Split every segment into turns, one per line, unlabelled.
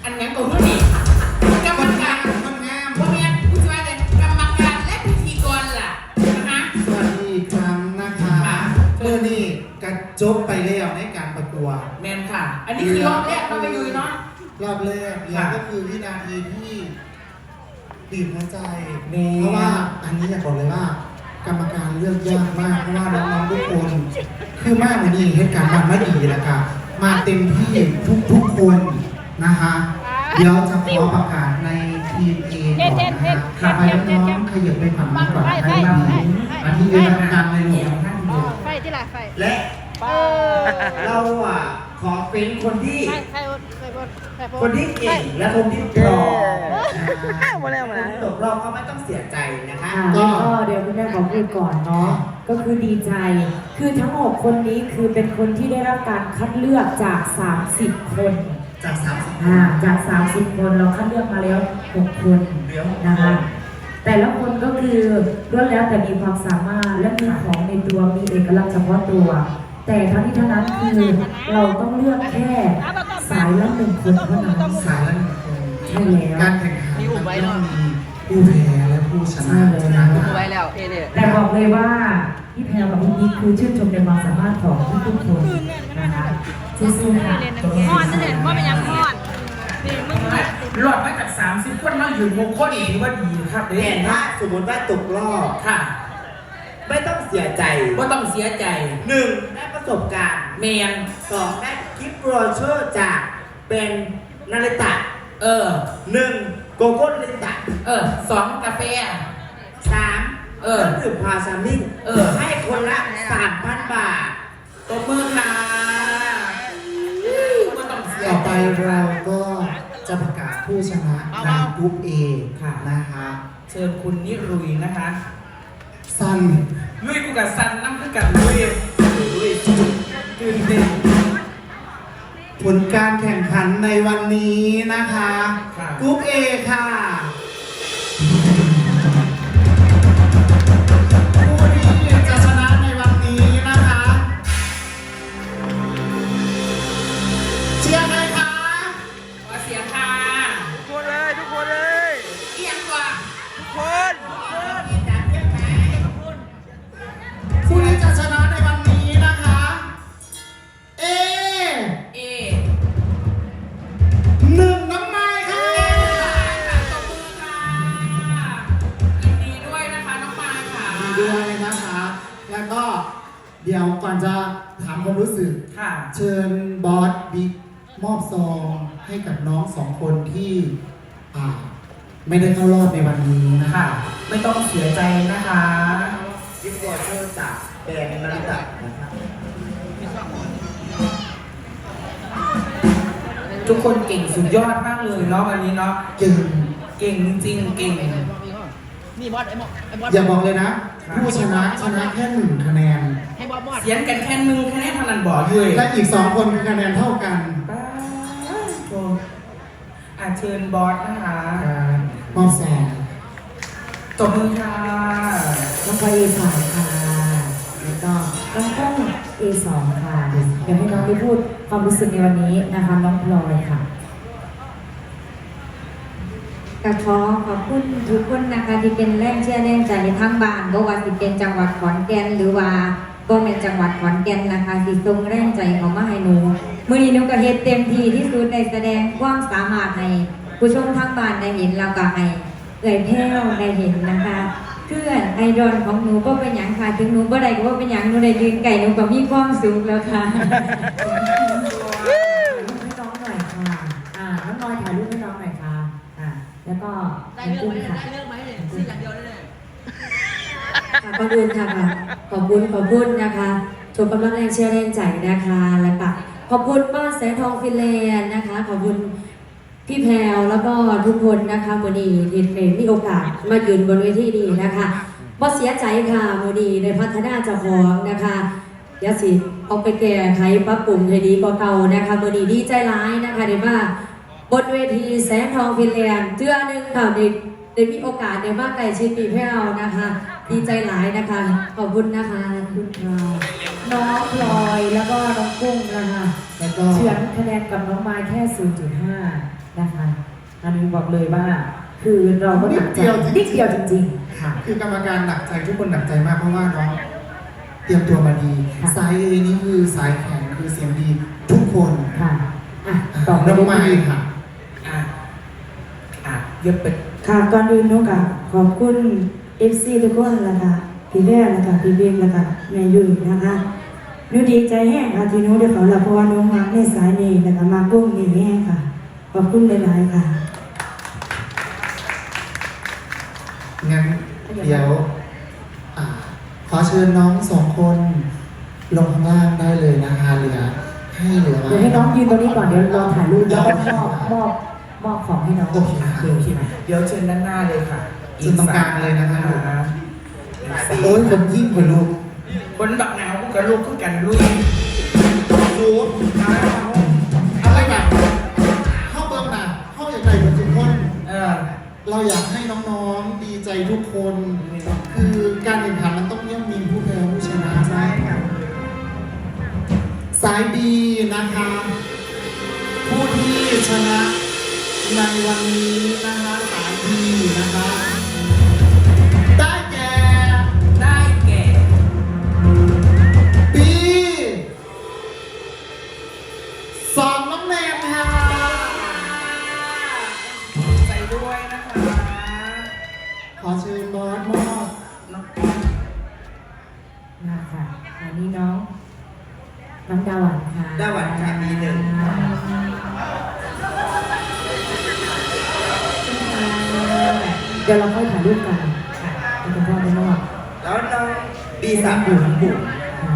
อันนั้นตัวนู้นนี่กรรมการมันงามพวกนี้ผู้ช่วยเลยกรรมการและพิธีกรล่ะนะคะ
สวัสดีอีกครั้งนะคะเมื่อนี้กระจบไปแล้วในการประกวด
แมนค่ะอันนี้คือรอบแรกเราไปดูเนาะ
รอบแรกเนี่ยก็คือวินาทีที่บีบหัวใจเพราะว่าอันนี้อยากบอกเลยว่ากรรมการเลือกยากมากเพราะว่าน้องๆทุกคนคือมากกว่านี้เหตุการณ์มันไม่ดีแล้วค่ะมาเต็มที่ทุกคนนะคะเดี๋ยวจะขอประกาศในทีม A ก่อนนะคะขับไปน้องๆขยับไปฝั่งนี้ก่อนให้ดีอันนี้เป็นกรรมการในหลวงท่านเดียว
ไฟที่ไหนไฟ
และเราขอเป็นคนที่เก่งและคนที่พร้อมตกรอบก็ไม่ต้องเสียใจนะคะ
ก็เดี๋ยวคุณแม่ขอพูดก่อนเนาะก็คือดีใจคือทั้ง6คนนี้คือเป็นคนที่ได้รับการคัดเลือกจาก30คนจาก30คนเราคัดเลือกมาแล้ว6คนนะคะแต่ละคนก็คือล้วนแล้วแต่มีความสามารถและมีของในตัวมีเอกลักษณ์เฉพาะตัวแต่ทั้งนี้ทั้งนั้นคือเราต้องเลือกแค่สายละ1คนเท่านั้น
สายละ1คน
ใช่แล้ว
การแข่งขันมันต้องมีผู้แพ้และผู้ชนะ
แต่บอกเลยว่าพี่แพรกับพี่นิกคือชื่นชมในความสามารถของทุกคนนะคะสู้ๆค่ะ
พอดนั่นเองว่าเป็นยังพอด
รอดมาจาก30คนมาอยู่6คนอีกว่าดีครับ
แต่ถ้าสมมติว่าตกรอบ
ค่ะ
ไม่ต้องเสียใจ
ไม่ต้องเสียใจ
1ได้ประสบการณ์
แมน
2ได้กิฟต์โบรชัวร์จากเป็นนาริตะ1โกโก้นาริตะ
2กาแฟ
3เครื่องดื่มพาซามิงให้คนละ 3,000 บาท
ตบมือค่ะ
ต่อไปเราก็จะประกาศผู้ชนะในกลุ่ม A ค่ะนะคะ
เชิญคุณนิรุยนะคะ
ซัน
ลุยกูกับซันนั่งคือกันลุยตื่นเต้น
ผลการแข่งขันในวันนี้นะคะกลุ่ม A ค่ะผู้ที่จะชนะในวันนี้นะคะเชียร์ใครคะ
ขอเสียงค่ะ
ทุกคนเลย
เอียงกว่า
ทุกคน
ผู้ที่จะชนะในวันนี้นะคะA 1น้ำไม้ค่ะ
ตบมือค่ะยินดีด้วยนะคะน้องไม้ค่ะ
ยินดีด้วยนะคะแล้วก็เดี๋ยวก่อนจะถามความรู้สึกเชิญบอสบิ๊กมอบซองให้กับน้อง2คนที่ไม่ได้เข้ารอบในวันนี้นะคะ
ไม่ต้องเสียใจนะคะ
กิฟต์วอเชอร์จากแบรนด์นาริตะนะครับ
ทุกคนเก่งสุดยอดมากเลยเนาะวันนี้เนาะเก่งจริงเก่ง
นี่บอส
อย่าบอกเลยนะผู้ชนะแค่1คะแนน
ให้บอส
เสียงกันแค่1คะแนนเท่านั้นบอกเลย
และอีก2คนคะแนนเท่ากัน
เชิญบอสนะคะ
มอบซอง
ตบมือค่ะ
น้องพลอย A3 ค่ะแล้วก็น้องก้อง A2 ค่ะเดี๋ยวให้น้องได้พูดความรู้สึกในวันนี้นะคะน้องพลอยค่ะ
กขอขอบคุณทุกคนนะคะที่เป็นแรงเชียร์แรงใจทั้งบ้านบ่ว่าสิเป็นจังหวัดขอนแก่นหรือว่าบ่แม่นจังหวัดขอนแก่นนะคะที่ส่งแรงใจเข้ามาให้หนูมื้อนี้หนูก็เฮ็ดเต็มที่ที่สุดในแสดงความสามารถให้ผู้ชมทั้งบ้านได้เห็นแล้วก็ให้เอ่ยแพ้วได้เห็นนะคะเพื่อนไอดอลของหนูก็เป็นอย่างค่ะถึงหนูบ่ได้ก็ว่าเป็นอย่างหนูได้ยืนไก่หนูก็มีความสุขแล้วค่ะ
ให้น้องหน่อยค่ะน้องน้อยถ่ายรูปให้น้องหน่อยค่ะแล้วก็
ได้เรื่องไหมเนี่ยสิ่งอย่างเดียวได้เลย
ขอบคุณค่ะขอบคุณนะคะชมกำลังแรงเชียร์แรงใจนะคะแล้วก็ขอบคุณบ้านแสงทองฟินแลนด์นะคะขอบคุณพี่แพรวแล้วก็ทุกคนนะคะวันนี้ที่มีโอกาสมายืนบนเวทีนี้นะคะบ่เสียใจค่ะวันนี้ในพัฒนาเจ้าของนะคะยาสิเอาไปแก้ไขปรับปรุงให้ดีกว่าเก่านะคะวันนี้ดีใจร้ายนะคะเดี๋ยวว่าบนเวทีแสงทองฟินแลนด์เจือหนึ่งค่ะได้มีโอกาสได้มาใกล้ชิดพี่แพรวนะคะดีใจหลายนะคะขอบคุณนะคะคุณพลอยน้องพลอยแล้วก็น้องกุ้งนะคะ
เฉือนคะแนนกับน้องไม้แค่ 0.5 นะคะอันนี้บอกเลยว่า คือเราก็หนักใจนิดเดียวจริงๆค่ะ
คือกรรมการหนักใจทุกคนหนักใจมากเพราะว่าน้องเตรียมตัวมาดี
ค่ะ
สาย A นี่คือสายแข็งคือเสียงดีทุกคน
ค่ะอ่ะต่อไป
น้อง
ได้
ไม้
ดี
ค่ะ
เยอะไป
ค่ะก่อนอื่นหนูก็ขอบคุณ FC ทุกคนนะคะพี่แม่นะคะพี่เบงนะคะแม่ยุ่ยนะคะหนูดีใจแห้งค่ะที่หนูได้เขาละเพราะว่าหนูมาในสายนี้นะคะมากุ้งนี่แห้งค่ะขอบคุณหลายๆค่ะ
งั้นเดี๋ยวขอเชิญน้องสองคนลงข้างล่างได้เลยนะคะเหลือไว้
เดี๋ยวให้น้องยืนตรงนี้ก่อนเดี๋ยวเราถ่ายรูปแล้วก็มอบของให้น้อง
โอเคค่ะ
โอเคเดี๋ยวเชิญด้านหน้าเลยค่ะ
เชิญตรงกลางเลยนะคะโอ้ยคนยิ่งกว่าลูก
คนบักหนาวกับลูกคือกันลุย
รู้อะไรแบบเข้าเบิ้งนะเข้าอย่างไรกับทุกคน เราอยากให้น้องๆดีใจทุกคน คือการแข่งขันมันต้องย่อมมีผู้แพ้ผู้ชนะใช่ค่ะสายบีนะคะ ผู้ที่ชนะในวันนี้นะคะสายบีนะคะ ได้แก่
ได้แก่
ปีสองน้องแนมค่ะ
ใจด้วยนะคะ
ขอเชิญบอสมอบ
มาค่ะอันนี้น้องดาวันค่ะ
ดาวันค่ะมีหนึ่ง
เดี๋ยวเราค่อยถ่ายรูปกันค่ะคุณพ่อไม่นอก
แล้วน้องดีสาม
บุ๋มบุ๋ม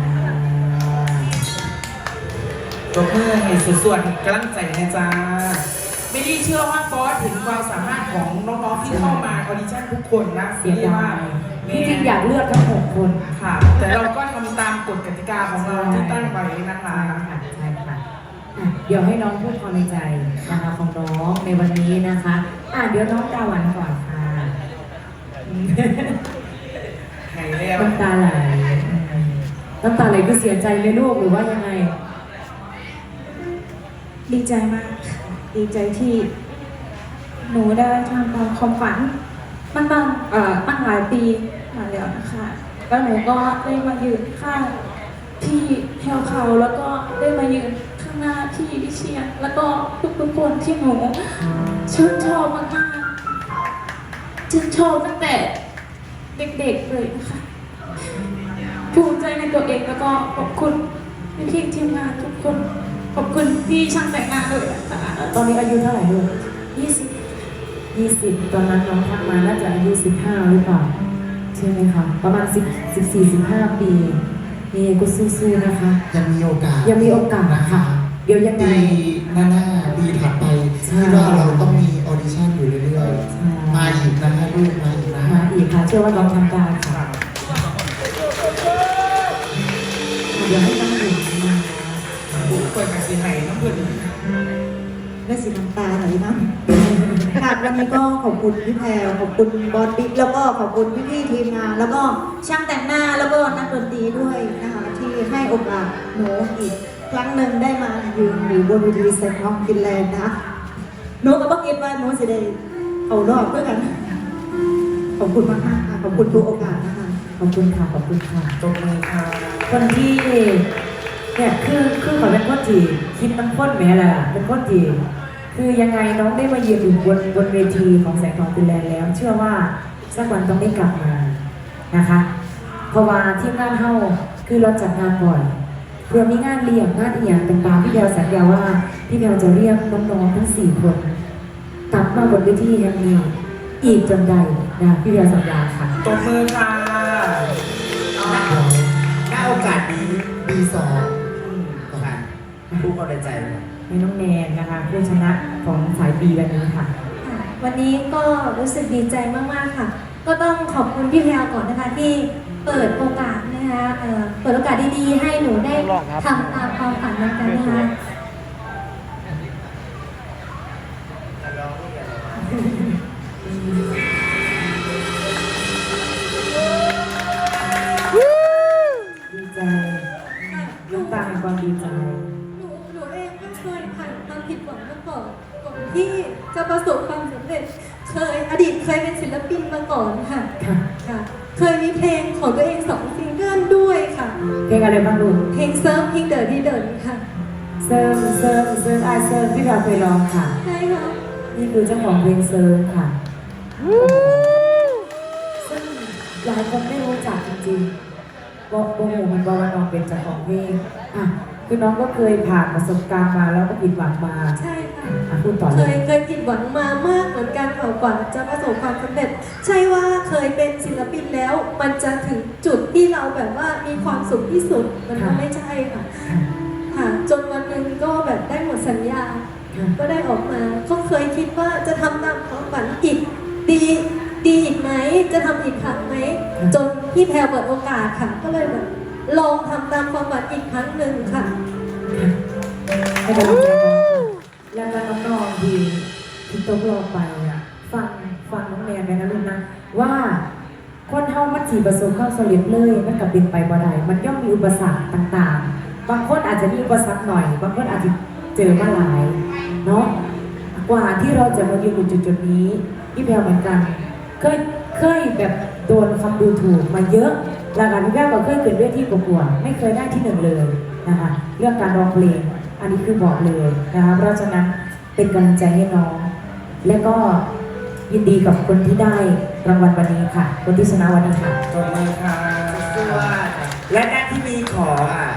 ตัวเพื่อนให้ส่วนกำลังใจนะจ๊ะไม่ได้เชื่อว่าฟอสเห็นความสามารถของน้องๆที่เข้ามาออดิชั่นทุกคนนะ
เสียดาย
แม่
ที่จริงอยากเลือกทั้ง6 คน
ค่ะ แต่เราก็ทำตามกฎกติกาของเราที่ตั้งไว้นะคะ
ใช่ค่ะอ่ะ เดี๋ยวให้น้องพูดความในใจนะคะของน้องในวันนี้นะคะเดี๋ยวน้องดาวันก่อนค่ะ
ไหนแล้ว
น้ำตาไหลน้ำตาไหลก็เสียใจไหมลูกหรือว่ายังไง
ดีใจมาก ดีใจที่หนูได้ทำตามความฝันมันหลายปีมาแล้วนะคะ แล้วหนูก็ได้มายืนข้างพี่แพลวเขาแล้วก็ได้มายืนข้างหน้าพี่วิเชียรแล้วก็ทุกๆคนที่หนูชื่นชอบมากๆชื่นชอบตั้งแต่เด็กๆเลยนะคะภูมิใจในตัวเองแล้วก็ขอบคุณพี่ๆทีมงานทุกคนขอบคุณพี่ช่างแต่งหน้าด้วยนะคะ
ตอนนี้อายุเท่าไหร่ลูก
20
ตอนนั้นน้องทักมาน่าจะอายุ15หรือเปล่าใช่ไหมคะประมาณ14-15 ปีนี่ก็สู้ๆนะคะ
ยังมีโอกาส
ยังมีโอกาสค่ะ เดี๋ยวยังไง
ปีหน้าปีถัดไป
ใช่
ที่ว่าเราต้องมีออดิชั่นอยู่เรื่อย
ใช่
ๆ มาอีกนะคะลูกมาอีกนะ
มาอีกค่ะเชื่อว่าน้องทำได้ค่ะเดี๋ยวให้น้องหญิงมา
เปิดกับสีไห่น้ำเพื่อน
ได้สีน้ำตาไหลนะค่ะวันนี้ก็ขอบคุณพี่แพรวขอบคุณบอสบิ๊กแล้วก็ขอบคุณพี่ๆทีมงาน แล้วก็ช่างแต่งหน้าแล้วก็นักดนตรีด้วยนะคะที่ให้โอกาสหนูอีกครั้งหนึ่งได้มายืนอยู่บนเวทีแซงทองฟินแลนด์นะหนูก็บอกคิดว่าหนูจะได้เอารอบด้วยกัน ขอบคุณมากๆค่ะขอบคุณทุกโอกาสนะคะ
ขอบคุณค่ะขอบคุณค่ะ
ตบมือค่ะ
คนที่เนี่ยคือเขาเป็นคนที่คิดมันพ้นแม้แหละเป็นคนที่คือยังไงน้องได้มายืนอยู่บนเวทีของแสงทองฟินแลนด์แล้ว เชื่อว่าสักวันต้องได้กลับมานะคะ เพราะว่าที่งานเฮาคือเราจัดงานบ่อยเพื่อมีงานเลี้ยงงานอีกอย่างต่างๆพี่แพรวสัญญาว่าพี่แพรวจะเรียกน้องๆทั้ง4 คนกลับมาบนเวทีแห่งนี้อีกจนใดนะพี่แพรวสัญญาค่ะ
ตบมือค่ะ
ณโอกาสนี้
ปีสอง
ค่ะผู้คนในใจเลย
ให้น้องแนนนะคะผู้ชนะของสายปีวันนี้ค่ะ
วันนี้ก็รู้สึกดีใจมากๆค่ะ ก็ต้องขอบคุณพี่แพรวก่อนนะคะที่เปิดโอกาสนะคะเปิดโอกาสดีๆให้หนูได้ทำตามความฝันเหมือนกันนะคะ
ดีใจน้ำตาแห่งความดีใจ
หนูเองก็เคยผ่านความผิดหวังมาก่อนที่
ที่จะประสบความสำเร็จอดีตเคยเป็นศิลปินมาก่อนค่ะ
ค่ะ
ค่ะ เคยมีเพลงของตัวเอง2 ซิงเกิลด้วยค่ะ
เพลงอะไรบ้างลูก
เพลงเซิร์ฟเพลงเดินที่เดินค่ะ
เซิร์ฟเซิร์ฟเซิร์ฟไอเซิร์ฟพี่เราเคยร้องค่ะ
ใช่ค่ะ
นี่คือเจ้าของเพลงเซิร์ฟค่ะซึ่งหลายคนไม่รู้จักจริงๆบอกโอ้โหมันบอกว่าน้องเป็นเจ้าของเพลงอ่ะคือน้องก็เคยผ่านประสบการณ์มาแล้วก็ผิดหวังมา
ใช่ค่ะ
อ่ะพูดต่อ
เค
เลย
ยผิดหวังมามากเหมือนกันค่ะกว่าจะประสบความสำเร็จ ใช่ว่าเคยเป็นศิลปินแล้ว มันจะถึงจุดที่เราแบบว่ามีความสุขที่สุดมันก็ไม่ใช่ค่ะ ค่ะจนวันหนึ่งก็แบบได้หมดสัญญา ก็ได้ออกมาก็เคยคิดว่าจะทำตามความฝันอีกดีอีกไหมจะทำอีกครั้งไหมจนพี่แพรเปิดโอกาสค่ะ ก็เลยแบบลองทำตามความฝันอีกครั้งหนึ่งค่ะ
ให้กำลังใจน้องค่ะแล้วก็น้องๆที่ตกลงไปอ่ะฟังน้องแนนไปนะลูกนะว่าคนเฮามันสีประสบความสำเร็จเลยมันกับเป็นไปบ่ได้มันย่อมมีอุปสรรคต่างๆ บางคนอาจจะมีอุปสรรคหน่อย บางคนอาจจะเจอมาหลายเนาะกว่าที่เราจะมายืนอยู่จุดๆนี้พี่แพรเหมือนกันเคยแบบโดนคำดูถูกมาเยอะแล้วกันพี่แพรก็เคยเกิดเวทีประกวดไม่เคยได้ที่ 1เลยนะคะเรื่องการร้องเพลงอันนี้คือบอกเลยนะคะเพราะฉะนั้นเป็นกำลังใจให้น้อง และก็ยินดีกับคนที่ได้รางวัลวันนี้ค่ะ คนที่ชนะวันนี้ค่ะ
ตบมือค่ะ
และหน้าที่มีของ